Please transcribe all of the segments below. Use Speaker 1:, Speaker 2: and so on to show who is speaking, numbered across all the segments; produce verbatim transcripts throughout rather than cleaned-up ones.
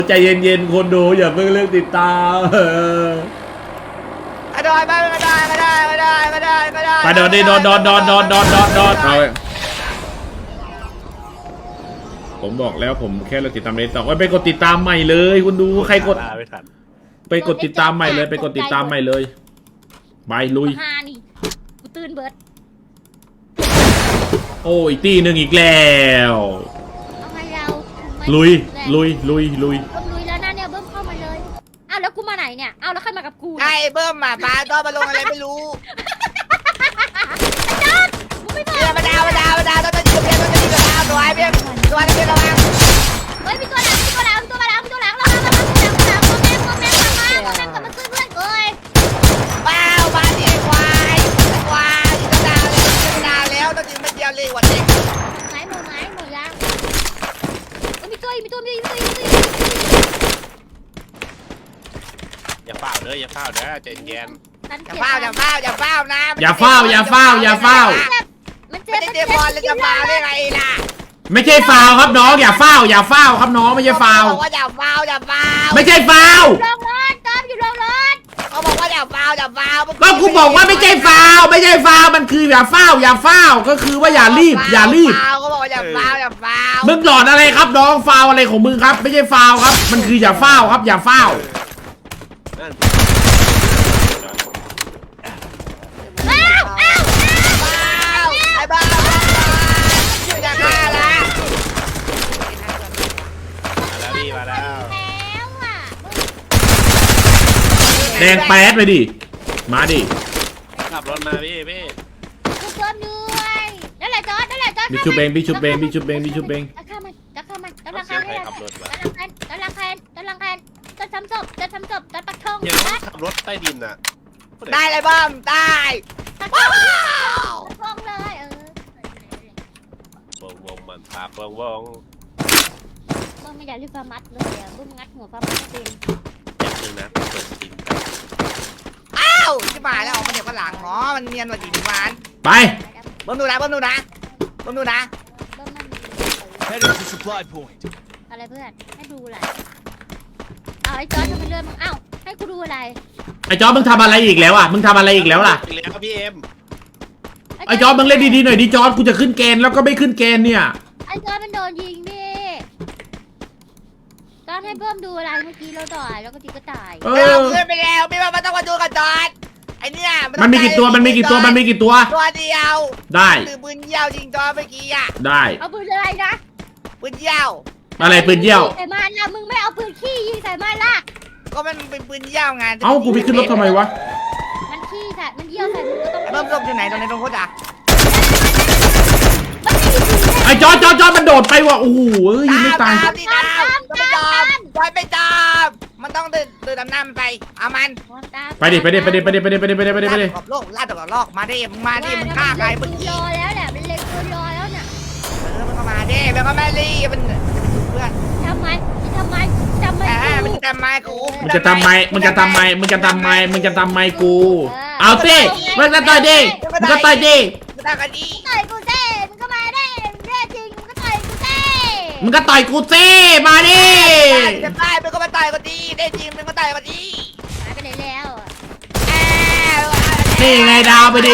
Speaker 1: ใจเย็นๆคนดูอย่าเพิ่งเลือกติดตาม
Speaker 2: ไม่ได้ไม่ได้ไม่ได้ไม่ได้ไม่ได้ไม่ได้
Speaker 1: ไปโดนดิโดนโดนโดนโดนโดนโดนโดนเอาผมบอกแล้วผมแค่เราติดตามเลยต่อไปกดติดตามใหม่เลยคุณดูใครกดไปกดติดตามใหม่เลยไปกดติดตามใหม่เลยไปลุย
Speaker 3: กูตื่นเบิร์ด
Speaker 1: โอ้ยตีหนึ่งอีกแล้วลุยลุยลุยลุย
Speaker 3: เบิ้มลุยแล้วนะเนี่ยเบิ้มเข้ามาเลยอ้าวแล้วกูมาไหนเนี่ยอ้าวแล้วใครมากับกู
Speaker 2: ไอ้เบิ้มอ่ะปลาต้อมาลงอะไรไม่รู้เบี้ยมาดาวมาดาวมาดาวต้องจะดีกับเบี้ยต้องจะดีกับดาวตัวไอ้เบี้ยตัวไอ้เบี้ยระวัง
Speaker 3: เฮ้ยมีตัวหลังมีตัวหลังมีตัวหลังมีตัวหลังระวังระวังตัวหลังตัวหลังตัวแม่ตัวแม่ตัวแม่กลับมาซื้อเพื่อนเอ้ย
Speaker 2: ว้าวมาดิควายควายจะดาวแล้วจะดาวแล้วต้องจะมาเดียวเลยวันเด็ก
Speaker 3: ไหนหมดไหนหมดยังมีตัวมีตัวมีตัวมีตัว
Speaker 4: อย่าเฝ้าเด้ออย่าเฝ้าเด้อใจเย็น
Speaker 2: อย่าเฝ้าอย่าเฝ้าอย่าเฝ้านะ
Speaker 1: อย่าเฝ้าอย่าเฝ้าอย่าเฝ้า
Speaker 3: มันเจ็บ
Speaker 2: ไม่ได้เจ็บบอลเลยจะเฝ้าได้ไงล่ะ
Speaker 1: ไม่ใช่ฟาวครับน้องอย่าเฝ้าอย่าเฝ้าครับน้องไม่ใช่ฟาว
Speaker 2: บอกว่าอย่าเฝ้าอย่าเฝ้า
Speaker 1: ไม่ใช่ฟาว
Speaker 3: ลงรถตอมอยู่ลงรถ
Speaker 2: เขาบอกว่าอย่าเฝ้าอย่าเฝ้า
Speaker 1: ก็กูบอกว่าไม่ใช่ฟาวไม่ใช่ฟาวมันคืออย่าเฝ้าอย่าเฝ้าก็คือว่าอย่ารีบอย่ารีบ
Speaker 2: เขาบอกว่าอย่าเฝ้าอย่าเฝ้า
Speaker 1: มึงหลอนอะไรครับน้องฟาวอะไรของมึงครับไม่ใช่ฟาวครับมันคืออย่าเฝ้าครับอย่าเฝ้า
Speaker 3: อ้าวอ้าว
Speaker 2: อ้าวไอ้บ้าอยู่อย่าฆ่าละ
Speaker 4: มาแล้วพี่มาแล้ว
Speaker 3: แล้วอ่ะ
Speaker 1: แดงแป๊ดไปดิมาดิ
Speaker 4: ขับรถมาพี่พี่
Speaker 3: กูเพิ่มด้วยนั่นแหละจอดนั่นแหละจอด
Speaker 1: พี่ชุบเบงพี่ชุบเบงพี่ชุบเบงพี่ชุบเบง
Speaker 3: จะฆ่ามันจะฆ่ามันจะฆ่ามันจะฆ่ามันจะลังแคนจะลังแคนจะทำศพจะทำศพจะปักทอง
Speaker 4: ยังต้องขับรถใต้ดินอ่ะ
Speaker 2: ได้เลยบ้ามตาย
Speaker 3: ว้าวทองเลยเออ
Speaker 4: วงวงมันปากวงวง
Speaker 3: มึงไม่อยากรีบฟามัดเลยอ่ะมึงงัดหัวฟามัดเป็น
Speaker 4: อย่างนึงนะเปิดดิน
Speaker 2: อ้าวที่มาแล้วออกมาเดี๋ยวก็หลังอ๋อมันเนียนกว่าดีดีวาน
Speaker 1: ไป
Speaker 2: เบิ้มดูนะเบิ้มดูนะเบิ้มดูนะ
Speaker 3: อะไรเพื่อนให้ดูอะไรเอาไอ้จอร์จทำไมเลื่อนมึงเอ้าให้กูดูอะไร
Speaker 1: ไอ้จอร์จมึงทำอะไรอีกแล้วอ่ะมึงทำอะไรอีกแล้วล่ะ
Speaker 4: อีกแล้วพี่เอ็ม
Speaker 1: ไอ้จอร์จมึงเล่นดีๆหน่อยดิจอร์จกูจะขึ้นเกณฑ์แล้วก็ไม่ขึ้นเกณฑ์เนี่ย
Speaker 3: ไอ้จอร์จมันโดนยิงดิจอร์จให้เพิ่มดูอะไรเมื่อกี้เราต่อยแล้วก็ตีก็ตาย
Speaker 2: เออขึ้นไปแล้วไม่ว่ามันต้องมาดูกับจอร์จไอ้เนี่ย
Speaker 1: มันมีกี่ตัวมันมีกี่ตัวมันมีกี่ตัว
Speaker 2: ตัวเดียว
Speaker 1: ได้
Speaker 2: ถือปืนเยี่ยวยิงจอร์จเมื่อกี้อ่ะ
Speaker 1: ได้
Speaker 3: เอาปืนอะไรนะ
Speaker 2: ปืนเยี่ยว
Speaker 1: อะไรปืนเยี่ยว
Speaker 3: ใส่มันนะมึงไม่เอาปืนขี้ยิงใส่มันล่ะ
Speaker 2: ก็มันเป็นปืนเยี่ยวไง
Speaker 1: เอ้ากูไปขึ้นรถทำไมวะ
Speaker 3: มันขี้ใส่มันเยี่ยวใส่มึงก็ต้อง
Speaker 2: เริ่มต้นอยู่ไหนตรงไหนตรงโคตรอ่ะ
Speaker 1: ไอ้จอร์จจอร์จจอร์จมันโดดไปว่ะโอ้โหยิงไม่ตาย
Speaker 2: ตามดิตามก็ไม่จอมจอยไปจอมมันต้องเดินเดินดำน้ำไปเอามัน
Speaker 1: ไปดิไปดิไปดิไปดิไปดิไปดิไปดิไปดิไปดิ
Speaker 2: กับโลกลาดกับโลกมาดิมึงมาดิมึงฆ่าใครมึง
Speaker 3: รอแล้วแหละมันเล็งตัวรอแล้วเนี่ย
Speaker 2: เออมันก็มาดิมันก็มาดิมันเพื่อน
Speaker 3: ทำไมทำไมทำไม
Speaker 2: มันจะทำไมกู
Speaker 1: มึงจะทำไมมึงจะทำไมมึงจะทำไมมึงจะทำไมกูเอาสิมึงก็ต่อยดิมึงก็ต่อยดิ
Speaker 2: มึงต่อยกันดิ
Speaker 3: ต่อยกูเซ่มึงก็มาดิเร่จริงมึงก็ต่อยกูเซ่
Speaker 1: มึงก็ต่อยกูสิมาดิ
Speaker 2: จะตายมึงก็มาต่อยกันดิได้จริงมึงก็ต่อยกันดิ
Speaker 3: หายไปไหนแล้ว
Speaker 1: นี่ไงดาวไปดิ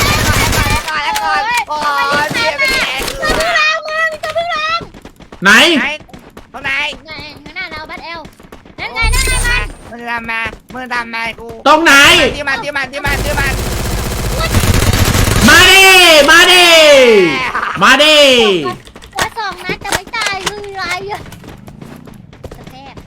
Speaker 2: โอ้ยเบี้ยไปดิ
Speaker 3: ตัวพึ่งรังมึงตัวพึ่งรัง
Speaker 1: ไหน
Speaker 2: ตรงไหน
Speaker 3: ไหนข้างหน้าเราบัดเอลนั่นไงนั่นไงมัน
Speaker 2: มึงทำมามึงทำมากู
Speaker 1: ตรงไหน
Speaker 2: ที่มันที่มันที่มันที่มัน
Speaker 1: มาดิมาดิมาดิ
Speaker 3: ว่าสองนัดจะไม่ตายคืออะไรอ่ะกระแทก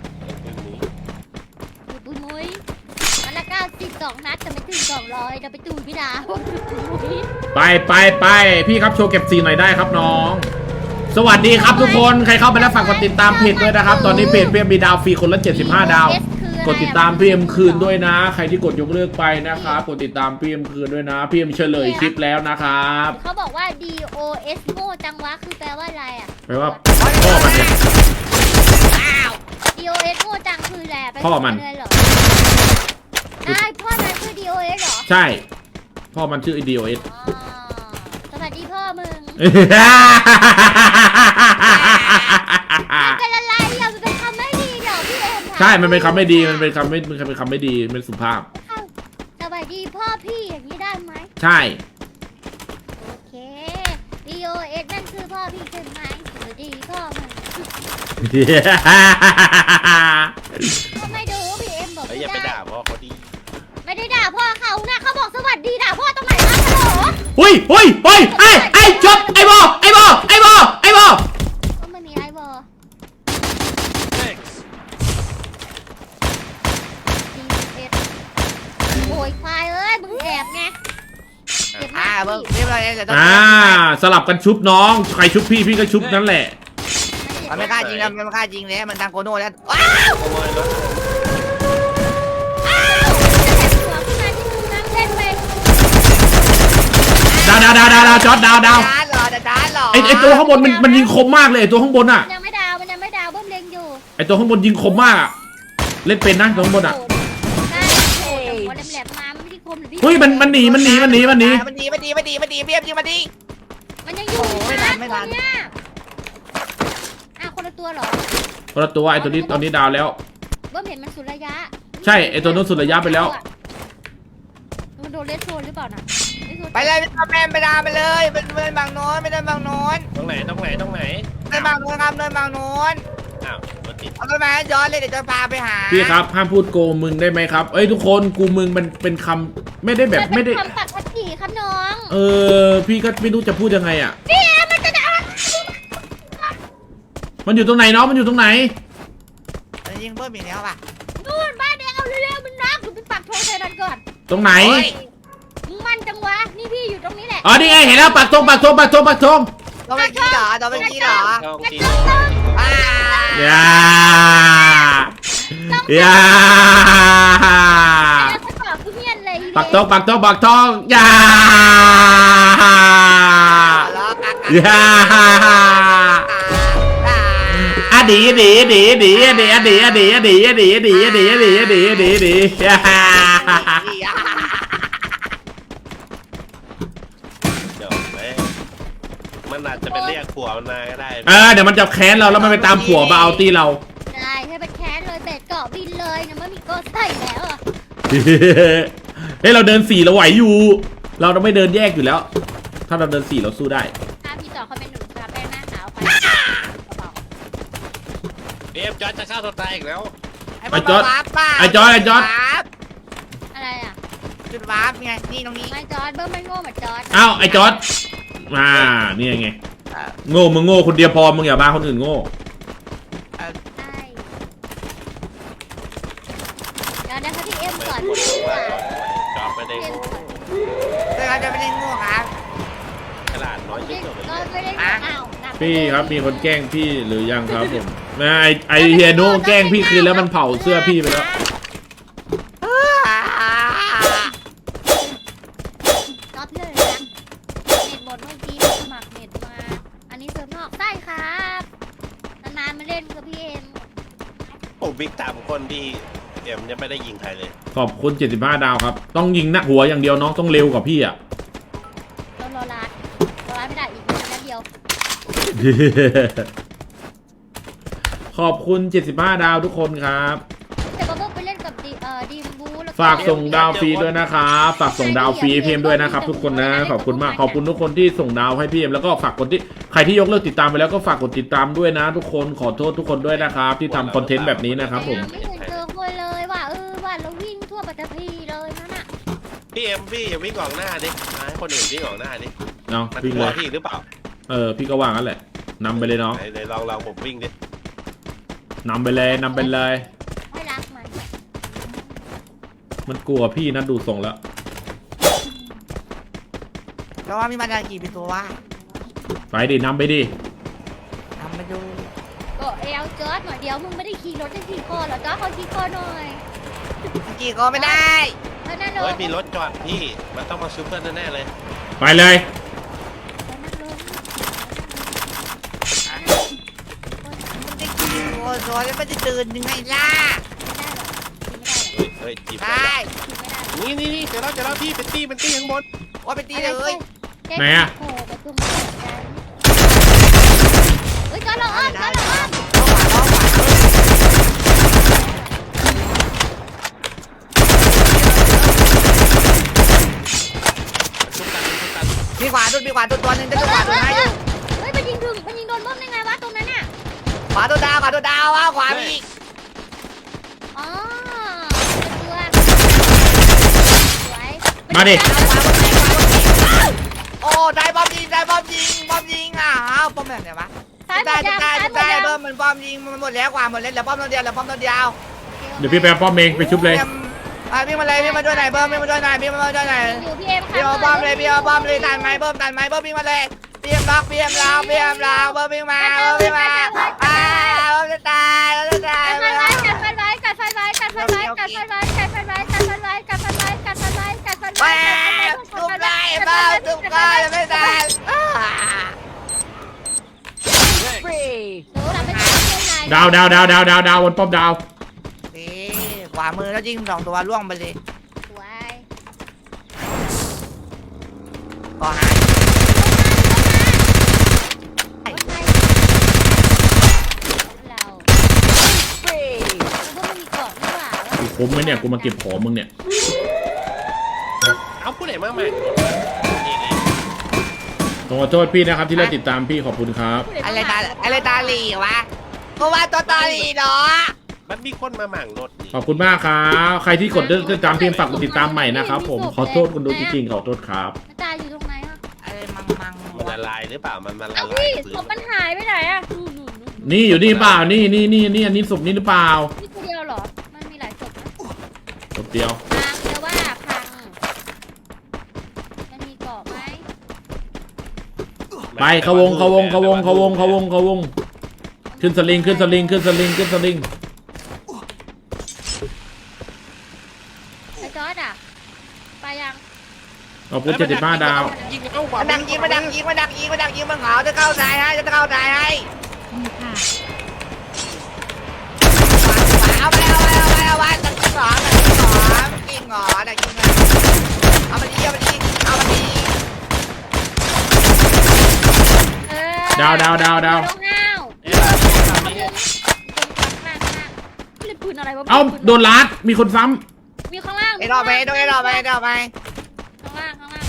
Speaker 3: ดูปุ้ยมุ้ยมันละเก้าสิบสองนัดจะไม่ถึงสองร้อยจะไปตูนพี่ดาว
Speaker 1: ไปไปไปพี่ครับโชว์เก็บซีหน่อยได้ครับน้องสวัสดีครับทุกคนใครเข้าไปแล้วฝากกดติดตามเพจด้วยนะครับตอนนี้เพจเพียมมีดาวฟรีคนละเจ็ดสิบห้าดาวกดติดตามพีเอ็มคืนด้วยนะใครที่กดยกเลิกไปนะครับกดติดตามพีเอ็มคืนด้วยนะพีเอ็มเฉลยคลิปแล้วนะครับ
Speaker 3: เขาบอกว่า D O S โง่จังวะคือแปลว่าอะไรอ่ะ
Speaker 1: แปลว่าพ่อมันเนี่ย
Speaker 3: D O S โง่จังคืออะไร
Speaker 1: พ่อมัน
Speaker 3: ใช่พ่อมันคือ D O S เหรอ
Speaker 1: ใช่พ่อมันชื่อ D O S
Speaker 3: สวัสดีพ่อมึง
Speaker 1: มัน
Speaker 3: เป็นอะไรอ่ะมันเป็นคำไม่ดี
Speaker 1: ใช่มันเป็นคำไม่ดีมันเป็นคำไม่มันเป็นคำไม่ดีเป็นสุภาพ
Speaker 3: สวัสดีพ่อพี่อย่างนี้ได้ไหม
Speaker 1: ใช่
Speaker 3: โอเค D O S นั่นคือพ่อพี่ใช่ไหมสวัสดีพ่อมันก็ไม่ดูพี่เอ็มบอก
Speaker 4: เฮ้ย
Speaker 3: ไม่
Speaker 4: อย่าไป
Speaker 3: ได้
Speaker 4: ด่าพ่อเขาดี
Speaker 3: ไม่ได้ด่าพ่อเขานะเขาบอกสวัสดีด่าพ่อตรงไหนวะฮัลโหล
Speaker 1: หุยหุยหุยไอ้ไอ้จบไอ้บอไอ้บอไอ้บอไอ้บอ
Speaker 3: ก็ไม่มีไอ้บอ
Speaker 4: Thanks
Speaker 3: ดีเอ็ดโอยควายเอ้ยมึงแอบไงเก็บห
Speaker 2: อ่า
Speaker 3: น้า
Speaker 2: เบิ้ง
Speaker 3: ที่
Speaker 2: เรียบร้อยแล้ว
Speaker 1: อ่าสลับกันชุบน้องใครชุบพี่พี่ก็ชุบนั่นแหละ
Speaker 2: มันไม่กล้าจริงแล้วมันไม่กล้าจริงแล้วมันดังโกโน่แล้วว้า
Speaker 4: ขโมยรถ
Speaker 3: อ้าวจะแถมหัวขึ้นมาที่มึงนั่งเล่นไป
Speaker 1: ดาวดาวดาวดาวดาวจอดดาวดาว
Speaker 2: ด้านเหรอด้านเหรอ
Speaker 1: ไอไอตัวข้างบนมันมันยิงคมมากเลยไอตัวข้างบนอ่ะ
Speaker 3: มันยังไม่ดาวมันยังไม่ดาวเบิ้มเล็งอยู่
Speaker 1: ไอตัวข้างบนยิงคมมากอะเล่นเป็นนะตัวข้างบนอ่ะ
Speaker 3: ได้โอ้ยหัวแหลมๆมาไม่ได้คมหรือพี่
Speaker 1: เฮ้ยมันมันหนีมันหนีมันหนีมันหนี
Speaker 2: มันหนีมันหนีมันหนีมันหนีเบี้ยมยิงมันหนี
Speaker 3: มันยังอยู่
Speaker 2: โอ้ไม่ทันไม่ทัน
Speaker 3: ตัวเนี้ยอ้าวคนละตัวเหรอ
Speaker 1: คนละตัวไอตัวนี้ตอนนี้ดาวแล้ว
Speaker 3: เบิ้มเห็นมันสุดระยะ
Speaker 1: ใช่ไอตัวนู้นสุดระยะไปแล้ว
Speaker 3: มันโดนเลสโซนหรือเปล่าน่ะเลสโซน
Speaker 2: ไปเลยไม่ต้องแม่ไปดาไปเลยเป็นเนินบางโน้นไม่ได้บางโน้น
Speaker 4: ตรงไหนตรงไหนตรงไหน
Speaker 2: เนินบางโน้นครับเนินบางโน้น
Speaker 4: อ้าวรถติด
Speaker 2: เอาไปมาย้อนเลยเดี๋ยวจะพาไปหา
Speaker 1: พี่ครับห้ามพูดโกมึงได้ไหมครับเอ้ยทุกคนกูมึงมันเป็นคำไม่ได้แบบไม่ได้
Speaker 3: นเป็นคำตัดภาษีครับน้อง
Speaker 1: เออพี่ก็ไม่รู้จะพูดยังไงอ่ะ
Speaker 3: พี่แอมมันจะด่า
Speaker 1: มันอยู่ตรงไหนน้องมันอยู่ตรงไหน
Speaker 2: มันยิงเพิ่มอีกแล้วป่ะ
Speaker 3: นู่นบ้านแดงเอาเร็วๆมันรักอยู่ไปปักธงใส่มันก่อน
Speaker 1: ตรงไหน
Speaker 3: มึงมันจังวะนี่พี่อยู่ตรงนี้แหละ
Speaker 1: อ๋อนี่ไงเห็นแล้วปักธงปักธงปักธงปักธง
Speaker 2: ตัวเมื่อกี้เหรอตัวเมื่อกี้เหรอ
Speaker 4: ช่อง
Speaker 3: กระ
Speaker 4: จี
Speaker 3: จกต้อง
Speaker 2: ว้า
Speaker 1: อย่าอย่า
Speaker 3: แล้วก็ตอบคือเมียนเลย
Speaker 1: ปักธงปักธงปักธงอย่า
Speaker 2: ล้อกาก
Speaker 1: อย่าอะดีดีดีดีดีดีดีดีดีดีดีดีดีดีดีดีอย่า
Speaker 4: เดี๋ยวแม่มันอาจจะไปเรียกผัวมันมาก็ได้
Speaker 1: เออเดี๋ยวมันจะแค้นเราแล้วมันไปตามผัวมาเอาตีเรา
Speaker 3: ได้ให้มันแค้นเลยเบ็ดเกาะบินเลยนะมันมีโกใส่แล้วอ่ะ
Speaker 1: เฮ้ยเราเดินสี่เราไหวอยู่ เราต้องไม่เดินแยกอยู่แล้ว ถ้าเราเดินสี่เราสู้ได้
Speaker 3: ถ้าพี่ต่อเขาเป็นหนุ่มตาแป้งหน้าขาวไปกระเป๋า
Speaker 4: เอฟจอร์จจะฆ่าตัวตายอีกแล้ว
Speaker 2: ไอ้จอดไอ้จอด
Speaker 3: อะไรอ่ะ
Speaker 2: จุดวาร์ปไงนี่ตรงนี้
Speaker 3: ไม่จอร์ดเบิ้มไม่โง่เหมือนจอร์ด
Speaker 1: อ้าวไอ้จอร์ดมานี่ไงโง่มึงโง่คนเดียวพอมึงอย่าบ้าคนอื่นโง่
Speaker 3: ใช่เดี๋ยวนะคะพี่เอ็ม
Speaker 4: ไม่
Speaker 3: สอน
Speaker 4: ควร
Speaker 3: พี่
Speaker 4: ว่า
Speaker 3: ว่า
Speaker 4: จอร์จไม่ได้
Speaker 3: พี่เอ็ม
Speaker 4: โง่
Speaker 3: สอน
Speaker 2: แต่เราจะไม่ได้ง่วงครับ
Speaker 4: ขนาดน้อยที่สุด
Speaker 3: ก็
Speaker 4: เลย
Speaker 3: ไม่ได้อ้าวหนัก
Speaker 1: พี่ครับมีคนแกล้งพี่หรือยังครับผมนะไอไอเฮียโน่แกล้งพี่คืนแล้วมันเผาเสื้อพี่ไปแล้ว
Speaker 3: ก็เพื่อนเลยนะเน็ตหมดเมื่อกี้สมัครเน็ตมา อันนี้เซิร์ฟนอกใช่ครับนานๆมาเล่นกับพี่เอ็ม
Speaker 4: ผมบิ๊กตามคนที่เอ็มยังไม่ได้ยิงใครเลย
Speaker 1: ขอบคุณเจ็ดสิบห้าดาวครับ ต้องยิงหน้าหัวอย่างเดียวน้องต้องเร็วกว่าพี่อ่ะ
Speaker 3: ต้องรอรัดรอรัดไม่ได้อีกนิดเดียว
Speaker 1: ขอบคุณเจ็ดสิบห้าดาวทุกคนครับ
Speaker 3: แต่ก็เพิ่งไปเล่นกับดีเอ่อดีมบูแล้ว
Speaker 1: ฝากส่งดาวฟรีด้วยนะครับฝากส่งดาวฟรีให้พี่เอ็มด้วยนะครับทุกคนนะขอบคุณมากขอบคุณทุกคนที่ส่งดาวให้พี่เอ็มแล้วก็ฝากกดที่ใครที่ยกเลิกติดตามไปแล้วก็ฝากกดติดตามด้วยนะ ทุกคนขอโทษทุกคนด้วยนะครับที่ทำคอนเทนต์แบบนี้นะครับผม
Speaker 3: ไม่เคยเจอคนเลยว่าเออว่าเราวิ่งทั่วปัตตภีเลยนั่นน่ะ
Speaker 4: พี่เอ็มพี่อย่าวิ่งออกหน้าดิมาให้คนอื่นวิ่งออกหน้าดิ
Speaker 1: เนาะ
Speaker 4: มัน
Speaker 1: วิ่ง
Speaker 4: ก
Speaker 1: เล
Speaker 4: ลัวย พี่หรือเปล่า
Speaker 1: เออพี่ก็ว่างั้นแหละนำไปเลยน้อง
Speaker 4: ไหนไหนลองลองผมวิ่งดิ
Speaker 1: นำไปเลยนำไปเลย
Speaker 3: ไม่รักมัน
Speaker 1: มันกลัวพี่นะดูทรงแล้ว
Speaker 2: แล้วว่ามีมันกี่เป็นตัววะ
Speaker 1: ไปดินำไปดิ
Speaker 2: ทำมาดู
Speaker 3: ก็เอลจอร์ดหน่อยเดียวมึงไม่ได้ขี่รถได้ขี่คอเหรอจอร์ดเขาขี่คอหน่อย
Speaker 2: กี่ก็ไม่ได้
Speaker 3: แล้วนั่นเล
Speaker 4: เฮ้
Speaker 3: ย
Speaker 4: ยมีรถจอดพี่มันต้องมาซูเปอร์แน่ๆเลย
Speaker 1: ไปเลย
Speaker 3: นั่นเลย
Speaker 2: มันจะกี่ตัวตัวแล้วมันจะตื่นยังไงล่ะ
Speaker 3: ไม่ได้หรอก
Speaker 4: เฮ้ยเฮ้ยจีบ
Speaker 2: ได้
Speaker 3: ขี่ไม่ได้
Speaker 4: นี่นี่นี่เจอแล้วเจอแล้วพี่เป็นตี้เป็นตี้ข้างบน
Speaker 2: ว่าไปตีเลย
Speaker 1: ไหนอะ
Speaker 3: โอ้โหไปตุ้มกันเฮ้ยจอร์ดเราอ้อมจอร์ดเราอ้อม
Speaker 2: เข้าขวาเข้าขวามีขวาตัวตัวหนึงจะดูขวาตัวไหนอยู่
Speaker 3: เฮ้ยมันยิงถึงมันยิงโดนบ้มได้ไงวะตรงนั้นน่ะ
Speaker 2: ขวาตัวดาวขวาตัวดาวว่าขวามีอีก
Speaker 3: อ๋อตัวสวย
Speaker 1: มาดิ
Speaker 2: ขวาบนไหนขวาบนไหนโอ้ได้บอมยิงได้บอมยิงบอมยิงอ่ะอ้าวบอมแบบไหนวะ
Speaker 3: ซ้ายหม
Speaker 2: ได้
Speaker 3: ดยัง
Speaker 2: ได้
Speaker 3: ซ้ายหมด
Speaker 2: ได้
Speaker 3: ยัง
Speaker 2: เบิ้มมันบอมยิงมันหมดแล้วขวาหมดแล้วเหลือป้อมตัวเดียวเหลือป้อมตัวเดียว
Speaker 1: เดี๋ยวพี่ไปเอาป้อมเองไปชุบเลย
Speaker 2: อ่ะพี่มาเลยพี่มาด้วยหน่อยเบิ้มพี่มาด้วยหน่อยพี่มาด้วยหน่อย
Speaker 3: อยู่พี่เอ็ม
Speaker 2: พี่เอาบอมเลยพี่เอาบอมเลยตันไม้เบิ้มตันไม้เบิ้มพี่มาเลยพี่เอ็มล็อกพี่เอ็มล็อกพี่เอ็มล็อกเบิ้มพี่มาเบิ้มพี่มาอ่าเบิ้มจะตายเบิ้มจะตาย
Speaker 3: กัดไฟไว้กัดไฟไว้กัดไฟไว้กัดไฟไว้กัดไฟไว้กัดไฟไว้กัดไฟไว้กัดไฟไว้กัดไฟไว้กัดไฟ
Speaker 2: แหว
Speaker 3: ไว้
Speaker 2: กทุบไล่เบิ้มทุบก้อนไม่ตาย
Speaker 3: หนูทำไม่ได้เพื่อนนาย
Speaker 1: ดาวดาวดาวดาวดาวดาวบนป้อมดาว
Speaker 2: นี่ขวามือแล้วยิงสองตัวล่วงไปเลย
Speaker 3: สวย
Speaker 2: ก็หาย
Speaker 3: รถไฟเรามันก็ไม่มีเกาะนี่หว่า
Speaker 1: กูคุ้มไหมเนี่ยกูมาเก็บของมึงเนี่ย
Speaker 4: เอาผู้ไหนมาใหม่นี่นี่
Speaker 1: ขอโทษพี่นะครับที่เลิกติดตามพี่ขอบคุณครับ
Speaker 2: อะไรตาอะไรตาหลีวะเพราะว่าตัวตาหลีเนาะ
Speaker 4: มันมีคนมาหมั่งรถนี่
Speaker 1: ขอบคุณมากครับใครที่กดเลิกติดตามพี่ฝากกดติดตามใหม่นะครับผมขอโทษคนดูจริงๆขอโทษครับ
Speaker 3: ตาอยู่ตรงไหนอ่ะ
Speaker 2: อะไรมังมัง
Speaker 4: มันละลายหรือเปล่ามันมันละ
Speaker 3: เอ้า
Speaker 4: ลาย
Speaker 3: พี่
Speaker 4: ปืน
Speaker 3: ศพมันหายไปไหนอ่ะนู่นนู่นนู่น
Speaker 1: นี่อยู่นี่เปล่านี่นี่นี่นี่อันนี้ศพนี่หรือเปล่า
Speaker 3: นี่ตัวเดียวเหรอ มันมีหลายศพนะ
Speaker 1: ศพเดียว
Speaker 3: พังแต่ว่าพัง มันมีเกาะไหม
Speaker 1: ไปเขาวงเขาวงเขาวงเขาวงเขาวงเขาวงขึ้นสลิงขึ้นสลิงขึ้นสลิงขึ้นสลิง
Speaker 3: ไอ้จอร์ดอ่ะ ไปยัง
Speaker 1: ขอบคุณเจ็ดสิบห้าดาว
Speaker 4: ยิงเอา
Speaker 2: มาดังยิงมาดังยิงมาดังยิงมาดังยิงมาเหงาจะเข้าสายให้จะเข้าสายให้เอาไปเอาไปเอาไปเอาไปดังยิงหรอดังยิงหรอยิงหรอดังยิงมาเอามาดีเอามาดีเอามาดี
Speaker 3: เออ
Speaker 1: ดาวดาวดาวดาว
Speaker 3: น้องห้าว
Speaker 4: เอ๊ะ
Speaker 3: ตรงข้างล่างข้างล่างเล่นปืนอะไรวะ
Speaker 1: เอ้าโดนลัดมีคนซ้
Speaker 3: มีข้างล่าง
Speaker 2: ไอ้รอบไปต้องไอ้รอบไปไอ้รอบไป
Speaker 3: ข้างล่างข้างล่าง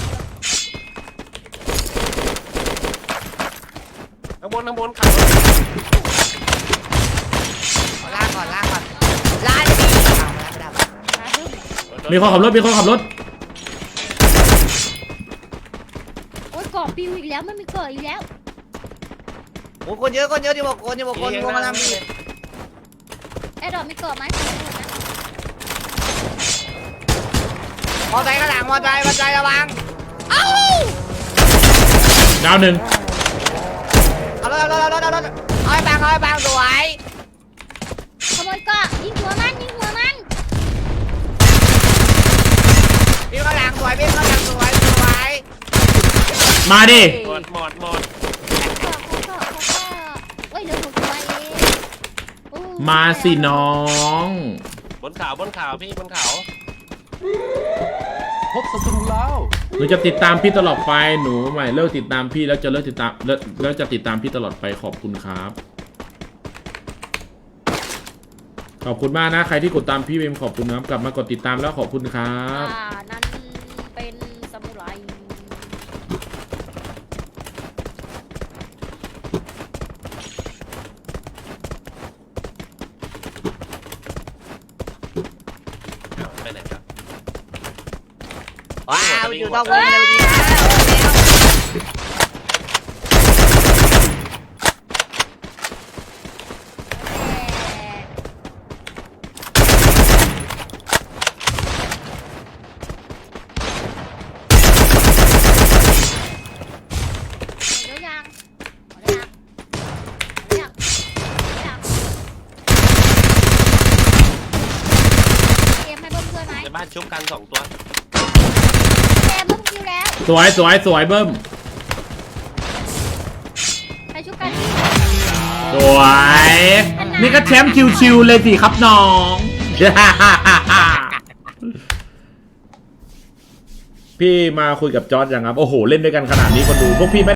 Speaker 4: ข้างบนข้างบนขับรถ
Speaker 2: ขอลากก่อนลากก่อนลากดีเอามาแล้ว
Speaker 3: มาดึง
Speaker 1: ำมีคนขับรถมีคนขับรถ
Speaker 3: โอ๊ยเกาะปิวอีกแล้วมันมีเกาะอีกแล้ว
Speaker 2: โอ้คนเยอะคนเยอะที่บอกคนที่บอกคนวงมาทำนี่
Speaker 3: ไอ้ดอกมีเกาะไหม
Speaker 2: มอไซค์ข้างหลังมอไซค์มอไซค์ระวังเอ้า
Speaker 1: ดาวหนึ่ง
Speaker 2: เอารถเอารถเอารถเอารถเอาให้บางเอาให้บางสวย
Speaker 3: ขโมยเกาะยิงหัวมันยิงหัวมัน
Speaker 2: พี่ข้างหลังสวยพี่ข้างหลังสวยสวย
Speaker 1: มาดิ
Speaker 4: หมดหมดหมด
Speaker 3: เกาะเกาะเกาะเกาะเฮ้ยเหลือหกตัวเองโอ้
Speaker 1: มาสิน้อง
Speaker 4: บนเขาบนเขาพี่บนเขาพบศัตรูแล้ว
Speaker 1: หนูจะติดตามพี่ตลอดไปหนูใหม่เลิกติดตามพี่แล้วจะเลิกติดตามแล้วแล้วจะติดตามพี่ตลอดไปขอบคุณครับ ขอบคุณมากนะใครที่กดตามพี่เวมขอบคุณนะครับกลับมากดติดตามแล้วขอบคุณครับ
Speaker 3: อ่านั้นเป็นซามูไร
Speaker 4: เอาไปไหนครับ
Speaker 2: ว้าวอยู่ตรงวงเลยดีนะ
Speaker 3: เดี๋ยวยังเดี๋ยวยังเดี๋ยวยังเดี๋ยวยังเกมให้เบิ้มเพื่อนไหม
Speaker 4: ในบ้านชุบกันสองตัว
Speaker 3: เกมเบิ้มคิวแล้ว
Speaker 1: สวยสวยสวยเบิ้ม
Speaker 3: ไปชุบกันที่
Speaker 1: สวยนี่ก็แชมป์ชิวๆเลยสิครับน้อง พี่มาคุยกับจอร์จยังครับโอ้โหเล่นด้วยกันขนาดนี้คนดูพวกพี่ไม่